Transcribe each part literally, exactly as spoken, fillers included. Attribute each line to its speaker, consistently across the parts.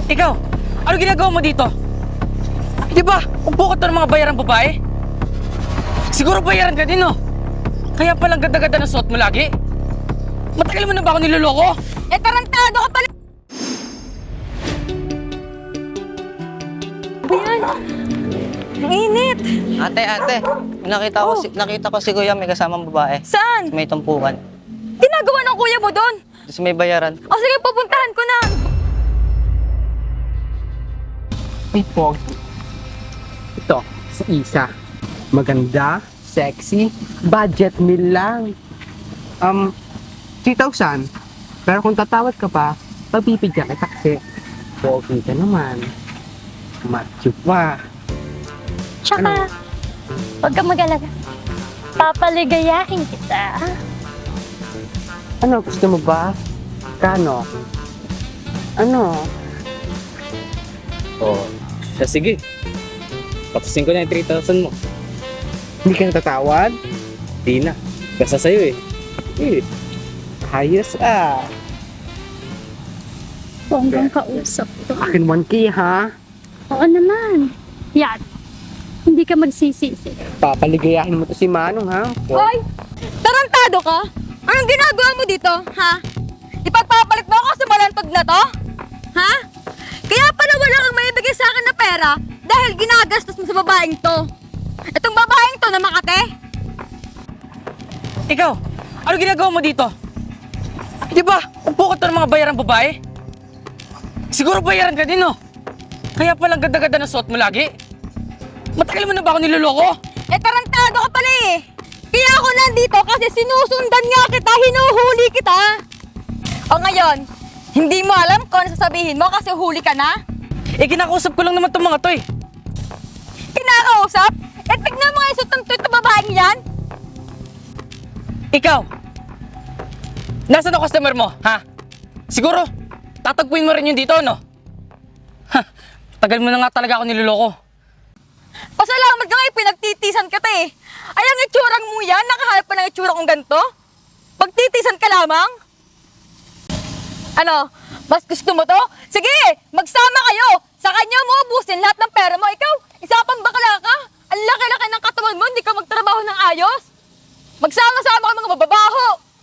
Speaker 1: Ikaw, ano ginagawa mo dito? Di ba, upo ka to ng mga bayarang babae? Siguro bayaran ka din, no? Kaya palang ganda-ganda na suot mo lagi? Matagal mo na ba ako niloloko?
Speaker 2: Eh, tarantado ka pala! Ayan! Ang init!
Speaker 3: Ate, ate, nakita ko,
Speaker 2: Oh.
Speaker 3: si, nakita ko si Kuya may kasamang babae.
Speaker 2: Saan?
Speaker 3: May tumpukan.
Speaker 2: Ginagawa ng kuya mo doon?
Speaker 3: Tapos may bayaran.
Speaker 2: O sige, pupuntahan ko na!
Speaker 4: Ay, Pogi. Ito, si Isa. Maganda, sexy, budget meal lang. Um, three thousand. Pero kung tatawad ka pa, pagbibigyan kita kasi Pogi ka naman. Macho pa.
Speaker 5: Tsaka, huwag kang mag-alala. Papaligayahin kita.
Speaker 4: Ano, gusto mo ba? Kano? Ano?
Speaker 6: Oh, siya sige. Patusin ko na yung three thousand mo.
Speaker 4: Hindi ka natatawad?
Speaker 6: Di na. Basta sa'yo eh.
Speaker 4: Eh, ayos ah.
Speaker 5: Bonggang kausap to.
Speaker 4: Akin one K ha?
Speaker 5: Oo naman. Yan. Hindi ka magsisisi.
Speaker 4: Papaligayahin mo to si Manong ha?
Speaker 2: Hoy! Tarantado ka? Anong ginagawa mo dito, ha? Ipagpapalit mo ako sa malantod na to? Ha? Kaya pala wala kang maibigay sa akin na pera dahil ginagastos mo sa babaeng to. Itong babaeng to na Makate?
Speaker 1: Ikaw, ano ginagawa mo dito? Di ba, upo ka to ng mga bayarang babae? Siguro bayaran ka din, no? Kaya palang ganda-ganda na suot mo lagi? Matagal mo na ba ako niloloko?
Speaker 2: Eh, tarantado ka pala eh. Kaya ako nandito kasi sinusundan nga kita, hinuhuli kita. O ngayon, hindi mo alam kung ano sasabihin mo kasi huli ka na?
Speaker 1: Eh, kinakausap ko lang naman itong mga to eh.
Speaker 2: Kinakausap? Eh, tignan mo nga yung sutang to babaeng yan.
Speaker 1: Ikaw, nasaan ang customer mo, ha? Siguro, tatagpuin mo rin yun dito, no? Ha, tagal mo na nga talaga ako niloloko.
Speaker 2: Pasalamat ka nga, pinagtitisan ka ta eh. Ay, ang itsurang mo yan, nakahanap pa ng itsura kong ganito? Pagtitisan ka lamang? Ano, mas gusto mo to? Sige, magsama kayo. Sa kanya mo ubusin lahat ng pera mo. Ikaw, isa pang bakla ka. Ang laki-laki ng katawan mo, hindi ka magtrabaho ng ayos. Magsama-sama ka mga mababaho.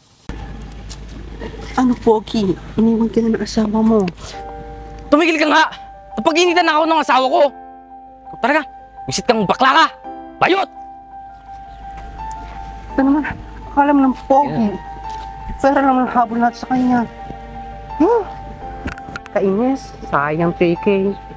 Speaker 4: Ano, Pogi? Iniwan ka na ng asawa mo.
Speaker 1: Tumigil ka nga! Napag-initan na ako ng asawa ko. Ikaw talaga, visit kang bakla ka! Bayot!
Speaker 4: Ito naman, akala mo ng Pogi. Pera naman ang habol natin sa kanya. Huh? Kainis, sayang three K.